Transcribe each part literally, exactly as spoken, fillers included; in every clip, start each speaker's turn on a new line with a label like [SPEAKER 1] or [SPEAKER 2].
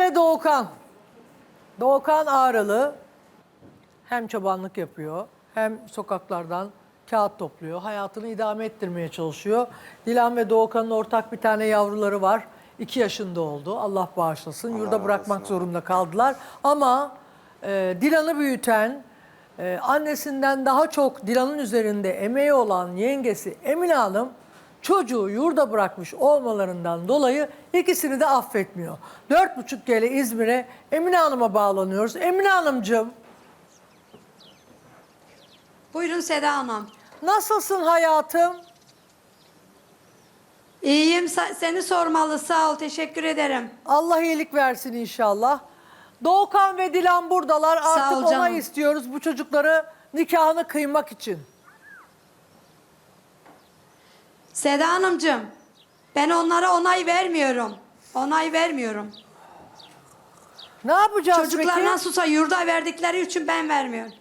[SPEAKER 1] ve Doğukan. Doğukan Ağrılı hem çobanlık yapıyor hem sokaklardan kağıt topluyor. Hayatını idame ettirmeye çalışıyor. Dilan ve Doğukan'ın ortak bir tane yavruları var. iki yaşında oldu. Allah bağışlasın. Yurda bırakmak zorunda kaldılar. Ama e, Dilan'ı büyüten, e, annesinden daha çok Dilan'ın üzerinde emeği olan yengesi Emine Hanım çocuğu yurda bırakmış olmalarından dolayı ikisini de affetmiyor. Dört buçuk gele İzmir'e Emine Hanım'a bağlanıyoruz. Emine Hanımcığım,
[SPEAKER 2] Buyurun Seda Hanım.
[SPEAKER 1] nasılsın hayatım?
[SPEAKER 2] İyiyim, sa- seni sormalı, sağ ol, teşekkür ederim.
[SPEAKER 1] Allah iyilik versin inşallah. Doğukan ve Dilan buradalar.
[SPEAKER 2] Sağ
[SPEAKER 1] Artık
[SPEAKER 2] ol
[SPEAKER 1] onay
[SPEAKER 2] canım.
[SPEAKER 1] istiyoruz bu çocukları nikahını kıymak için.
[SPEAKER 2] Seda Hanımcığım, ben onlara onay vermiyorum. Onay vermiyorum.
[SPEAKER 1] Ne yapacağız
[SPEAKER 2] Çocuklar
[SPEAKER 1] peki?
[SPEAKER 2] nasılsa yurda verdikleri için ben vermiyorum.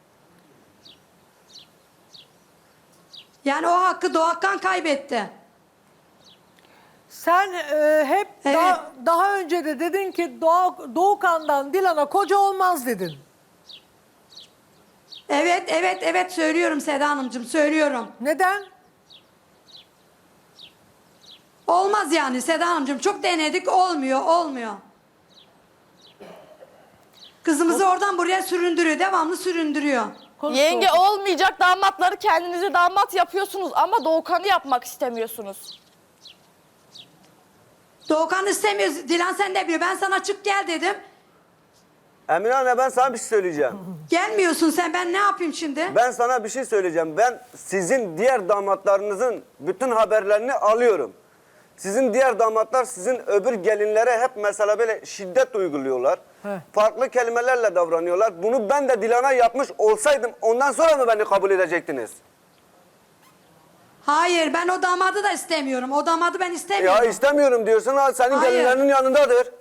[SPEAKER 2] Yani o hakkı Doğukan kaybetti.
[SPEAKER 1] Sen e, hep
[SPEAKER 2] Evet.
[SPEAKER 1] daha, daha önce de dedin ki Doğa- Doğukan'dan Dilan'a koca olmaz dedin.
[SPEAKER 2] Evet, evet, evet söylüyorum Seda Hanımcığım, söylüyorum.
[SPEAKER 1] Neden?
[SPEAKER 2] Olmaz yani Seda Hanımcığım, çok denedik, olmuyor, olmuyor. Kızımızı oradan buraya süründürüyor, devamlı süründürüyor.
[SPEAKER 1] Konuş
[SPEAKER 3] Yenge
[SPEAKER 1] Doğukan.
[SPEAKER 3] olmayacak damatları kendinize damat yapıyorsunuz ama Doğukan'ı yapmak istemiyorsunuz.
[SPEAKER 2] Doğukan istemiyor, Dilan sen de biliyor. Ben sana çık gel dedim.
[SPEAKER 4] Emine anne, ben sana bir şey söyleyeceğim.
[SPEAKER 2] Gelmiyorsun sen, ben ne yapayım şimdi?
[SPEAKER 4] Ben sana bir şey söyleyeceğim. Ben sizin diğer damatlarınızın bütün haberlerini alıyorum. Sizin diğer damatlar sizin öbür gelinlere hep mesela böyle şiddet uyguluyorlar.
[SPEAKER 1] Heh.
[SPEAKER 4] Farklı kelimelerle davranıyorlar. Bunu ben de Dilan'a yapmış olsaydım ondan sonra mı beni kabul edecektiniz?
[SPEAKER 2] Hayır, ben o damadı da istemiyorum. O damadı ben
[SPEAKER 4] Ya
[SPEAKER 2] istemiyorum.
[SPEAKER 4] istemiyorum diyorsun, ha, senin
[SPEAKER 2] Hayır.
[SPEAKER 4] gelinlerinin yanındadır.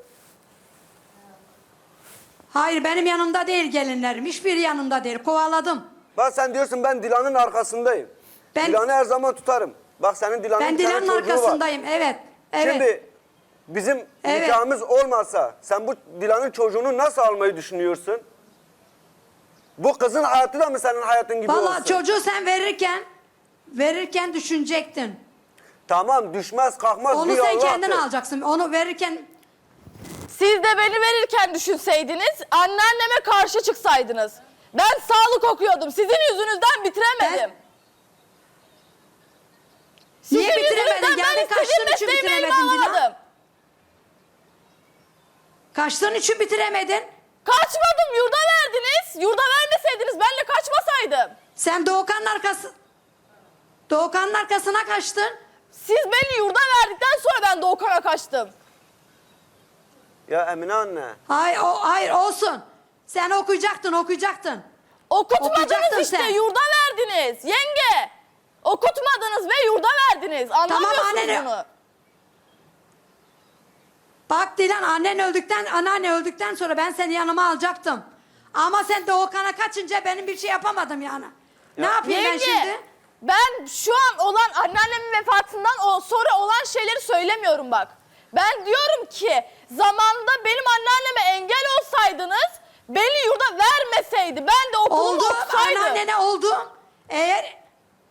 [SPEAKER 2] Hayır, benim yanımda değil gelinlerim. Hiçbir yanımda değil. Kovaladım.
[SPEAKER 4] Bak sen diyorsun ben Dilan'ın arkasındayım.
[SPEAKER 2] Ben-
[SPEAKER 4] Dilan'ı her zaman tutarım. Bak senin Dilan'ın
[SPEAKER 2] Ben
[SPEAKER 4] bir tane
[SPEAKER 2] Dilan'ın
[SPEAKER 4] çocuğu var.
[SPEAKER 2] arkasındayım. Evet. Evet.
[SPEAKER 4] Şimdi bizim
[SPEAKER 2] Evet.
[SPEAKER 4] nikahımız olmasa sen bu Dilan'ın çocuğunu nasıl almayı düşünüyorsun? Bu kızın hayatı da mı senin hayatın gibi
[SPEAKER 2] Vallahi
[SPEAKER 4] olsun?
[SPEAKER 2] çocuğu sen verirken verirken düşünecektin.
[SPEAKER 4] Tamam, düşmez kalkmaz
[SPEAKER 2] Onu
[SPEAKER 4] bir
[SPEAKER 2] sen
[SPEAKER 4] Allah'tır.
[SPEAKER 2] kendin alacaksın. Onu verirken
[SPEAKER 3] Siz de beni verirken düşünseydiniz, anneanneme karşı çıksaydınız. Ben sağlık okuyordum, sizin yüzünüzden bitiremedim.
[SPEAKER 2] Ben- Niye
[SPEAKER 3] Sizin
[SPEAKER 2] bitiremedin?
[SPEAKER 3] yüzünüzden
[SPEAKER 2] Yani
[SPEAKER 3] ben
[SPEAKER 2] kaçtığın
[SPEAKER 3] istediğim
[SPEAKER 2] için
[SPEAKER 3] mesleğimi elime
[SPEAKER 2] bitiremedin Dilan?
[SPEAKER 3] alamadım.
[SPEAKER 2] kaçtığın için bitiremedin.
[SPEAKER 3] Kaçmadım, yurda verdiniz. Yurda vermeseydiniz ben de kaçmasaydım.
[SPEAKER 2] Sen Doğukan'ın arkası Doğukan'ın arkasına kaçtın.
[SPEAKER 3] Siz beni yurda verdikten sonra ben Doğukan'a kaçtım.
[SPEAKER 4] Ya Emine anne.
[SPEAKER 2] Hayır, o, hayır olsun. Sen okuyacaktın, okuyacaktın.
[SPEAKER 3] Okutmadınız
[SPEAKER 2] Okuyacaktın
[SPEAKER 3] işte,
[SPEAKER 2] sen.
[SPEAKER 3] yurda verdiniz. Yenge, okutmadınız ve yurda verdiniz. Anlamıyorsunuz
[SPEAKER 2] annene-
[SPEAKER 3] bunu.
[SPEAKER 2] Bak Dilan, annen öldükten, anneanne öldükten sonra ben seni yanıma alacaktım. Ama sen Doğukan'a kaçınca benim bir şey yapamadım yani. Ne yapayım ben
[SPEAKER 3] Yenge,
[SPEAKER 2] şimdi?
[SPEAKER 3] ben şu an olan anneannemin vefatından o sonra olan şeyleri söylemiyorum bak. Ben diyorum ki zamanında benim anneanneme engel olsaydınız beni yurda vermeseydi ben de okulumu
[SPEAKER 2] Oldu,
[SPEAKER 3] okusaydım.
[SPEAKER 2] anneannene oldu. Eğer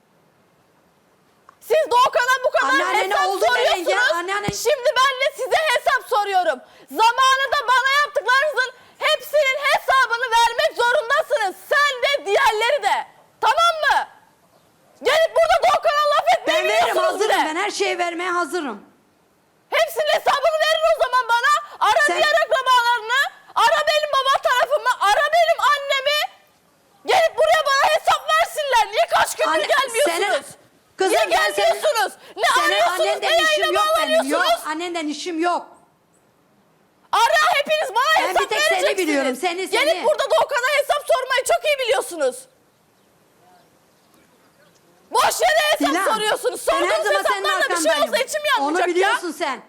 [SPEAKER 3] Siz Doğukan'a bu kadar
[SPEAKER 2] Anneannene
[SPEAKER 3] hesap
[SPEAKER 2] oldu mu
[SPEAKER 3] soruyorsunuz.
[SPEAKER 2] yenge? Anneannen-
[SPEAKER 3] Şimdi ben de size hesap soruyorum. Zamanında bana yaptıklarınızın hepsinin hesabını vermek zorundasınız. Sen de diğerleri de. Tamam mı? Gelip burada Doğukan'a laf etmeyi
[SPEAKER 2] ben veririm,
[SPEAKER 3] biliyorsunuz bir
[SPEAKER 2] hazırım.
[SPEAKER 3] de.
[SPEAKER 2] Ben her şeyi vermeye hazırım.
[SPEAKER 3] Hepsinin hesabını verin o zaman bana. Ara
[SPEAKER 2] Sen-
[SPEAKER 3] diğer akrabalarını. Ara benim baba tarafımı. Ara benim annemi. Gelip buraya bana hesap versinler. Niye kaç gündür
[SPEAKER 2] Anne-
[SPEAKER 3] gelmiyorsunuz?
[SPEAKER 2] senin- Kızım,
[SPEAKER 3] Niye
[SPEAKER 2] ben senin-
[SPEAKER 3] gelmiyorsunuz? Ne
[SPEAKER 2] Senin
[SPEAKER 3] arıyorsunuz? Ne
[SPEAKER 2] annenden işim
[SPEAKER 3] yayına
[SPEAKER 2] yok benim. Yok,
[SPEAKER 3] bağlanıyorsunuz?
[SPEAKER 2] annenden işim yok.
[SPEAKER 3] Ara hepiniz bana
[SPEAKER 2] Ben
[SPEAKER 3] hesap
[SPEAKER 2] bir tek seni
[SPEAKER 3] vereceksiniz.
[SPEAKER 2] biliyorum, seni,
[SPEAKER 3] Gelip
[SPEAKER 2] seni.
[SPEAKER 3] burada Doğukan'a hesap sormayı çok iyi biliyorsunuz. Boş yere hesap
[SPEAKER 2] Dilan,
[SPEAKER 3] soruyorsunuz.
[SPEAKER 2] ben her
[SPEAKER 3] Sorduğunuz
[SPEAKER 2] zaman senin
[SPEAKER 3] hesaplarla bir şey
[SPEAKER 2] arkandayım.
[SPEAKER 3] olsa içim
[SPEAKER 2] Onu
[SPEAKER 3] yanmayacak ya.
[SPEAKER 2] biliyorsun sen.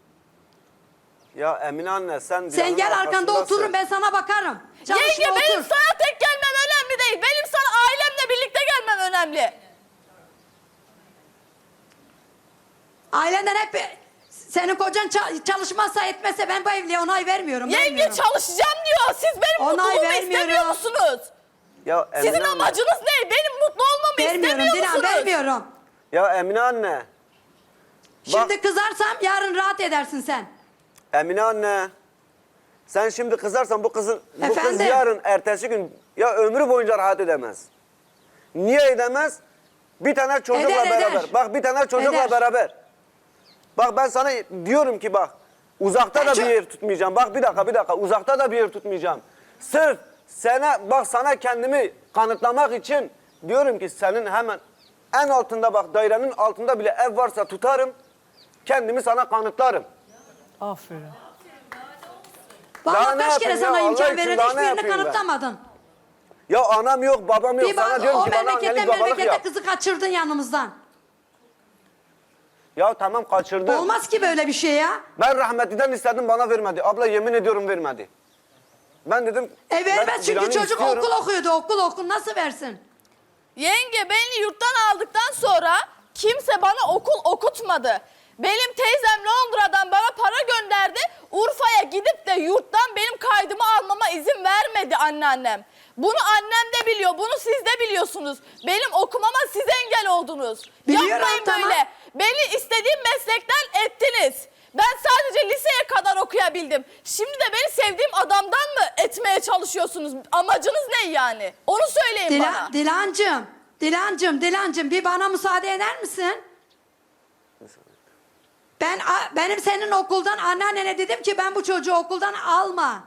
[SPEAKER 4] Ya Emine anne sen
[SPEAKER 2] Sen
[SPEAKER 4] Dilan'ın
[SPEAKER 2] gel arkanda
[SPEAKER 4] arkasındasın.
[SPEAKER 2] otururum, ben sana bakarım. Çalışma,
[SPEAKER 3] Yenge benim
[SPEAKER 2] otur.
[SPEAKER 3] sana tek gelmem önemli değil. Benim sana ailemle birlikte gelmem önemli.
[SPEAKER 2] Ailenden hep Senin kocan ça- çalışmazsa etmezse ben bu evliliğe onay vermiyorum.
[SPEAKER 3] Yenge
[SPEAKER 2] vermiyorum.
[SPEAKER 3] çalışacağım diyor. Siz benim
[SPEAKER 2] Onay
[SPEAKER 3] mutluluğumu
[SPEAKER 2] vermiyorum.
[SPEAKER 3] istemiyor musunuz?
[SPEAKER 4] Ya Emine
[SPEAKER 3] Sizin
[SPEAKER 4] anne.
[SPEAKER 3] amacınız ne? Benim mutlu olmamı
[SPEAKER 2] Vermiyorum
[SPEAKER 3] istemiyor
[SPEAKER 2] Dilan,
[SPEAKER 3] musunuz?
[SPEAKER 2] vermiyorum.
[SPEAKER 4] Ya Emine anne.
[SPEAKER 2] Şimdi kızarsam yarın rahat edersin sen.
[SPEAKER 4] Emine anne. Sen şimdi kızarsan bu kızın bu kız
[SPEAKER 2] Efendim?
[SPEAKER 4] yarın ertesi gün ya ömrü boyunca rahat edemez. Niye edemez? Bir tane çocukla
[SPEAKER 2] Eder, eder.
[SPEAKER 4] beraber. Bak bir tane çocukla
[SPEAKER 2] Eder.
[SPEAKER 4] beraber. Bak ben sana diyorum ki bak uzakta
[SPEAKER 2] Ben
[SPEAKER 4] da
[SPEAKER 2] çok-
[SPEAKER 4] bir yer tutmayacağım. Bak bir dakika bir dakika uzakta da bir yer tutmayacağım. Sırf sana bak sana kendimi kanıtlamak için diyorum ki senin hemen en altında bak dairenin altında bile ev varsa tutarım. Kendimi sana kanıtlarım.
[SPEAKER 1] Aferin.
[SPEAKER 4] Daha
[SPEAKER 2] Vallahi
[SPEAKER 4] ne
[SPEAKER 2] kaç kere
[SPEAKER 4] yapayım ya?
[SPEAKER 2] sana
[SPEAKER 4] Allah
[SPEAKER 2] imkan
[SPEAKER 4] için
[SPEAKER 2] verir
[SPEAKER 4] daha ne
[SPEAKER 2] hiçbirini
[SPEAKER 4] yapayım ben?
[SPEAKER 2] kanıtlamadın.
[SPEAKER 4] Ya anam yok babam yok
[SPEAKER 2] Bir
[SPEAKER 4] sana
[SPEAKER 2] bak
[SPEAKER 4] diyorum
[SPEAKER 2] o
[SPEAKER 4] ki bana
[SPEAKER 2] memleketten
[SPEAKER 4] annelik babalık
[SPEAKER 2] memlekete
[SPEAKER 4] yap.
[SPEAKER 2] kızı kaçırdın yanımızdan.
[SPEAKER 4] Ya tamam kaçırdı.
[SPEAKER 2] Olmaz ki böyle bir şey ya.
[SPEAKER 4] Ben rahmetliden istedim bana vermedi. Abla yemin ediyorum vermedi. Ben dedim.
[SPEAKER 2] E
[SPEAKER 4] ben
[SPEAKER 2] vermez çünkü
[SPEAKER 4] Dilan'ı
[SPEAKER 2] çocuk
[SPEAKER 4] istiyorum.
[SPEAKER 2] okul okuyordu. Okul okul nasıl versin?
[SPEAKER 3] Yenge beni yurttan aldıktan sonra kimse bana okul okutmadı. Benim teyzem Londra'dan bana para gönderdi. Urfa'ya gidip de yurttan benim kaydımı almama izin vermedi anneannem. Bunu annem de biliyor, bunu siz de biliyorsunuz. Benim okumama siz engel oldunuz.
[SPEAKER 2] Biliyorum,
[SPEAKER 3] Yapmayın
[SPEAKER 2] tamam.
[SPEAKER 3] böyle. Beni istediğim meslekten ettiniz. Ben sadece liseye kadar okuyabildim. Şimdi de beni sevdiğim adamdan mı etmeye çalışıyorsunuz? Amacınız ne yani? Onu söyleyin
[SPEAKER 2] Dila,
[SPEAKER 3] bana.
[SPEAKER 2] Dilancım, Dilancım, Dilancım bir bana müsaade eder misin? Ben a- benim senin okuldan anneannene dedim ki ben bu çocuğu okuldan alma.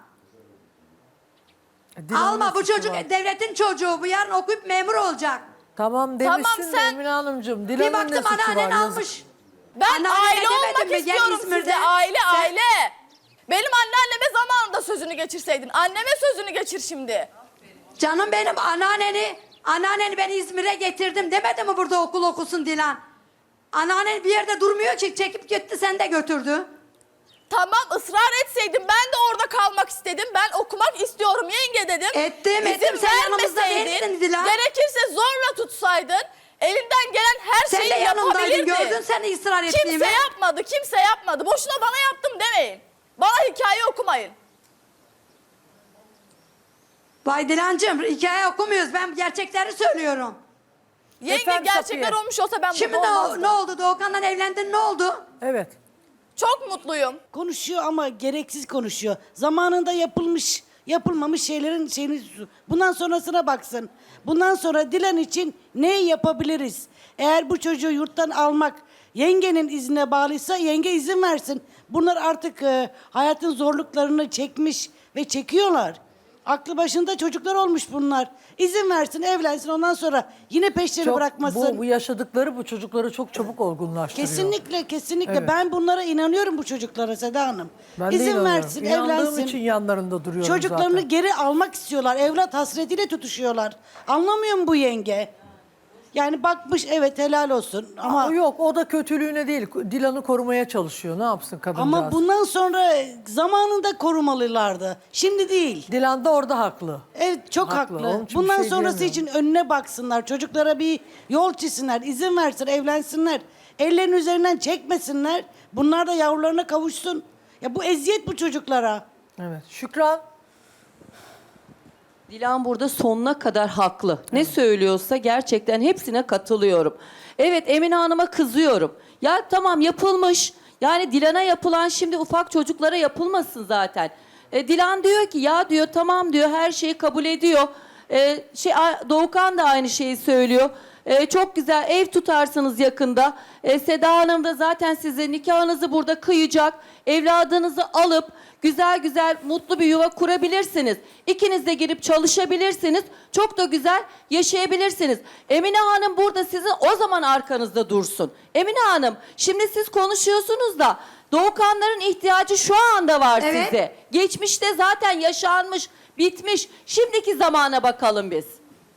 [SPEAKER 1] E, Dilan'ın
[SPEAKER 2] alma bu
[SPEAKER 1] suçu
[SPEAKER 2] çocuk
[SPEAKER 1] var.
[SPEAKER 2] devletin çocuğu. Bu yarın okuyup memur olacak.
[SPEAKER 1] Tamam
[SPEAKER 3] Tamam,
[SPEAKER 1] demişsin de
[SPEAKER 3] sen-
[SPEAKER 1] Emine Hanımcığım.
[SPEAKER 2] Bir
[SPEAKER 1] Dilan'ın ne
[SPEAKER 2] baktım
[SPEAKER 1] suçu var?
[SPEAKER 2] anneannen
[SPEAKER 1] Yazık.
[SPEAKER 2] almış.
[SPEAKER 3] Ben
[SPEAKER 2] Anneannene
[SPEAKER 3] aile
[SPEAKER 2] demedim
[SPEAKER 3] olmak
[SPEAKER 2] mi? Gel
[SPEAKER 3] istiyorum
[SPEAKER 2] İzmir'de.
[SPEAKER 3] size. Aile
[SPEAKER 2] Sen-
[SPEAKER 3] aile. Benim anneanneme zamanında sözünü geçirseydin. Anneme sözünü geçir şimdi.
[SPEAKER 2] Canım benim anneanneni, anneanneni ben İzmir'e getirdim demedi mi burada okul okusun Dilan? Anneannen bir yerde durmuyor ki çekip gitti sen de götürdü.
[SPEAKER 3] Tamam ısrar etseydin ben de orada kalmak istedim. Ben okumak istiyorum yenge dedim.
[SPEAKER 2] Ettim,
[SPEAKER 3] İzin
[SPEAKER 2] ettim. Sen yanımızda
[SPEAKER 3] vermeseydin,
[SPEAKER 2] değilsin Dilan.
[SPEAKER 3] gerekirse zorla tutsaydın. Elinden gelen her
[SPEAKER 2] Sen
[SPEAKER 3] şeyi
[SPEAKER 2] de yanımdaydın
[SPEAKER 3] yapabilirdin.
[SPEAKER 2] gördün sen ısrar ettiğimi.
[SPEAKER 3] Kimse yapmadı, kimse yapmadı. Boşuna bana yaptım demeyin. Bana hikaye okumayın.
[SPEAKER 2] Vay Dilancığım hikaye okumuyoruz ben gerçekleri söylüyorum.
[SPEAKER 3] Yenge
[SPEAKER 1] Efendim
[SPEAKER 3] gerçekler
[SPEAKER 1] Safiye?
[SPEAKER 3] olmuş olsa ben
[SPEAKER 2] Şimdi
[SPEAKER 3] mutlu
[SPEAKER 2] ne,
[SPEAKER 3] olmazdım.
[SPEAKER 2] ne oldu Doğukan'dan evlendin ne oldu?
[SPEAKER 1] Evet.
[SPEAKER 3] Çok mutluyum.
[SPEAKER 5] Konuşuyor ama gereksiz konuşuyor. Zamanında yapılmış, yapılmamış şeylerin şeyini bundan sonrasına baksın. Bundan sonra Dilan için ne yapabiliriz? Eğer bu çocuğu yurttan almak yengenin iznine bağlıysa yenge izin versin. Bunlar artık e, hayatın zorluklarını çekmiş ve çekiyorlar. Aklı başında çocuklar olmuş bunlar. İzin versin, evlensin ondan sonra yine peşleri
[SPEAKER 1] Çok,
[SPEAKER 5] bırakmasın.
[SPEAKER 1] bu, bu yaşadıkları bu çocukları çok çabuk olgunlaştırıyor.
[SPEAKER 5] Kesinlikle, kesinlikle.
[SPEAKER 1] Evet.
[SPEAKER 5] Ben bunlara inanıyorum bu çocuklara Seda Hanım.
[SPEAKER 1] Ben de
[SPEAKER 5] İzin
[SPEAKER 1] inanıyorum.
[SPEAKER 5] versin,
[SPEAKER 1] İnandığım
[SPEAKER 5] evlensin.
[SPEAKER 1] için yanlarında duruyorum
[SPEAKER 5] Çocuklarını
[SPEAKER 1] zaten.
[SPEAKER 5] geri almak istiyorlar. Evlat hasretiyle tutuşuyorlar. Anlamıyor mu bu yenge? Yani bakmış evet helal olsun ama
[SPEAKER 1] Ama yok o da kötülüğüne değil. Dilan'ı korumaya çalışıyor. Ne yapsın kadıncağız?
[SPEAKER 5] ama bundan sonra zamanında korumalılardı. Şimdi değil.
[SPEAKER 1] Dilan da orada haklı.
[SPEAKER 5] Evet çok
[SPEAKER 1] Haklı,
[SPEAKER 5] haklı.
[SPEAKER 1] onun için bir
[SPEAKER 5] Bundan
[SPEAKER 1] şey
[SPEAKER 5] sonrası
[SPEAKER 1] diyemiyorum.
[SPEAKER 5] için önüne baksınlar. Çocuklara bir yol çizsinler. İzin versin, evlensinler. Ellerin üzerinden çekmesinler. Bunlar da yavrularına kavuşsun. Ya bu eziyet bu çocuklara.
[SPEAKER 1] Evet. Şükran.
[SPEAKER 6] Dilan burada sonuna kadar haklı. Ne söylüyorsa gerçekten hepsine katılıyorum. Evet Emine Hanım'a kızıyorum. Ya tamam yapılmış. Yani Dilan'a yapılan şimdi ufak çocuklara yapılmasın zaten. E, Dilan diyor ki ya diyor tamam diyor her şeyi kabul ediyor. E, şey A- Doğukan da aynı şeyi söylüyor. E, çok güzel ev tutarsınız yakında. E, Seda Hanım da zaten size nikahınızı burada kıyacak. Evladınızı alıp güzel güzel mutlu bir yuva kurabilirsiniz. İkiniz de girip çalışabilirsiniz. Çok da güzel yaşayabilirsiniz. Emine Hanım burada sizin o zaman arkanızda dursun. Emine Hanım şimdi siz konuşuyorsunuz da Doğukanların ihtiyacı şu anda var
[SPEAKER 2] Evet.
[SPEAKER 6] size. Geçmişte zaten yaşanmış, bitmiş. Şimdiki zamana bakalım biz.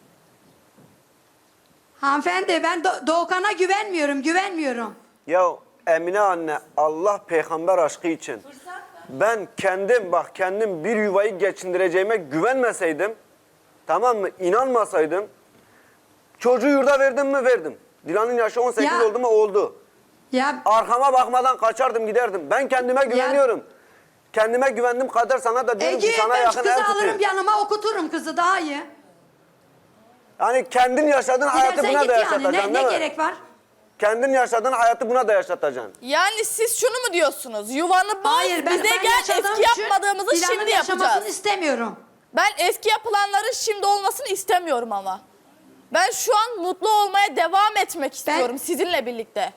[SPEAKER 2] Hanımefendi ben Do- Doğukan'a güvenmiyorum güvenmiyorum.
[SPEAKER 4] Ya Emine anne Allah peygamber aşkı için ben kendim bak kendim bir yuvayı geçindireceğime güvenmeseydim tamam mı inanmasaydım çocuğu yurda verdim mi verdim. Dilan'ın yaşı on sekiz
[SPEAKER 2] Ya.
[SPEAKER 4] oldu mu oldu.
[SPEAKER 2] Ya
[SPEAKER 4] Arkama bakmadan kaçardım giderdim. Ben kendime güveniyorum. Kendime güvendim kadar sana da diyorum
[SPEAKER 2] Ege
[SPEAKER 4] ki sana
[SPEAKER 2] ben şu
[SPEAKER 4] yakın
[SPEAKER 2] kızı
[SPEAKER 4] ev
[SPEAKER 2] alırım
[SPEAKER 4] tutayım.
[SPEAKER 2] yanıma okuturum kızı daha iyi.
[SPEAKER 4] Yani kendin yaşadığın hayatı
[SPEAKER 2] Gidersen
[SPEAKER 4] buna
[SPEAKER 2] git
[SPEAKER 4] da
[SPEAKER 2] yani
[SPEAKER 4] yaşatacaksın
[SPEAKER 2] ne,
[SPEAKER 4] değil
[SPEAKER 2] ne
[SPEAKER 4] mi?
[SPEAKER 2] gerek var?
[SPEAKER 4] Kendin yaşadığın hayatı buna da yaşatacaksın.
[SPEAKER 3] Yani siz şunu mu diyorsunuz? Yuvanı boz,
[SPEAKER 2] Hayır ben,
[SPEAKER 3] bize
[SPEAKER 2] ben
[SPEAKER 3] gel
[SPEAKER 2] yaşadığım
[SPEAKER 3] eski
[SPEAKER 2] için
[SPEAKER 3] yapmadığımızı
[SPEAKER 2] Dilan'ın
[SPEAKER 3] şimdi
[SPEAKER 2] yaşamasını
[SPEAKER 3] yapacağız.
[SPEAKER 2] istemiyorum.
[SPEAKER 3] Ben eski yapılanların şimdi olmasını istemiyorum ama. Ben şu an mutlu olmaya devam etmek istiyorum sizinle birlikte.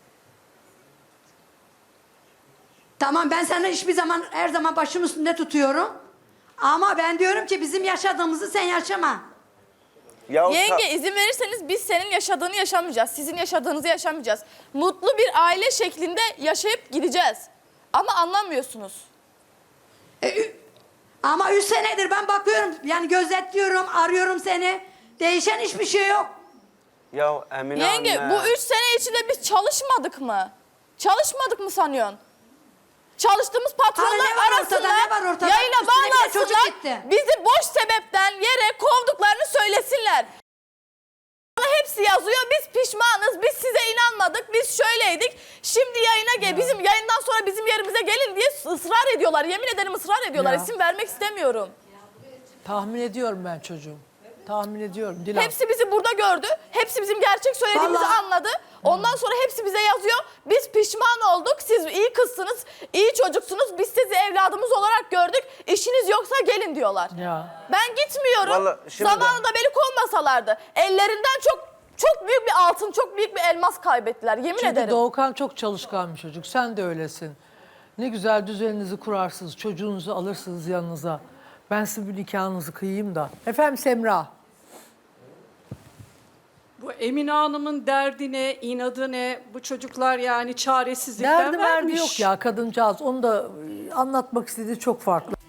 [SPEAKER 2] Tamam ben sana hiçbir zaman her zaman başım üstünde tutuyorum. Ama ben diyorum ki bizim yaşadığımızı sen yaşama.
[SPEAKER 4] Ya
[SPEAKER 3] Yenge izin verirseniz biz senin yaşadığını yaşamayacağız. Sizin yaşadığınızı yaşamayacağız. Mutlu bir aile şeklinde yaşayıp gideceğiz. Ama anlamıyorsunuz.
[SPEAKER 2] E, ü- ama üç senedir ben bakıyorum yani gözetliyorum arıyorum seni. Değişen hiçbir şey yok.
[SPEAKER 4] Ya Emine
[SPEAKER 3] Yenge
[SPEAKER 4] anne.
[SPEAKER 3] bu üç sene içinde biz çalışmadık mı? Çalışmadık mı sanıyorsun? Çalıştığımız patronlar
[SPEAKER 2] Hani ne var
[SPEAKER 3] arasında
[SPEAKER 2] ortada, ne var ortada?
[SPEAKER 3] yayına
[SPEAKER 2] Üstüne bir de çocuk
[SPEAKER 3] bağlansınlar,
[SPEAKER 2] gitti.
[SPEAKER 3] bizi boş sebepten yere kovduklarını söylesinler. Hepsi yazıyor, biz pişmanız, biz size inanmadık, biz şöyleydik. Şimdi yayına gel, bizim yayından sonra bizim yerimize gelin diye ısrar ediyorlar. Yemin ederim ısrar ediyorlar,
[SPEAKER 1] Ya.
[SPEAKER 3] isim vermek istemiyorum.
[SPEAKER 1] Tahmin ediyorum ben çocuğum. Tahmin ediyorum Dilan.
[SPEAKER 3] Hepsi bizi burada gördü. Hepsi bizim gerçek söylediğimizi
[SPEAKER 2] Vallahi-
[SPEAKER 3] anladı. Ondan sonra hepsi bize yazıyor. Biz pişman olduk. Siz iyi kızsınız, iyi çocuksunuz. Biz sizi evladımız olarak gördük. İşiniz yoksa gelin diyorlar.
[SPEAKER 1] Ya.
[SPEAKER 3] Ben gitmiyorum.
[SPEAKER 4] Vallahi şimdi-
[SPEAKER 3] Zamanında beni kovmasalardı. Ellerinden çok çok büyük bir altın, çok büyük bir elmas kaybettiler. Yemin
[SPEAKER 1] Çünkü
[SPEAKER 3] ederim.
[SPEAKER 1] Doğukan çok çalışkan bir çocuk. Sen de öylesin. Ne güzel düzeninizi kurarsınız. Çocuğunuzu alırsınız yanınıza. Ben sizin bir nikahınızı kıyayım da. Efendim Semra.
[SPEAKER 7] Bu Emine Hanım'ın derdi ne, inadı ne? Bu çocuklar yani çaresizlikten
[SPEAKER 1] Derdi merdi
[SPEAKER 7] vermiş.
[SPEAKER 1] yok ya kadıncağız. Onu da e, anlatmak istediği çok farklı.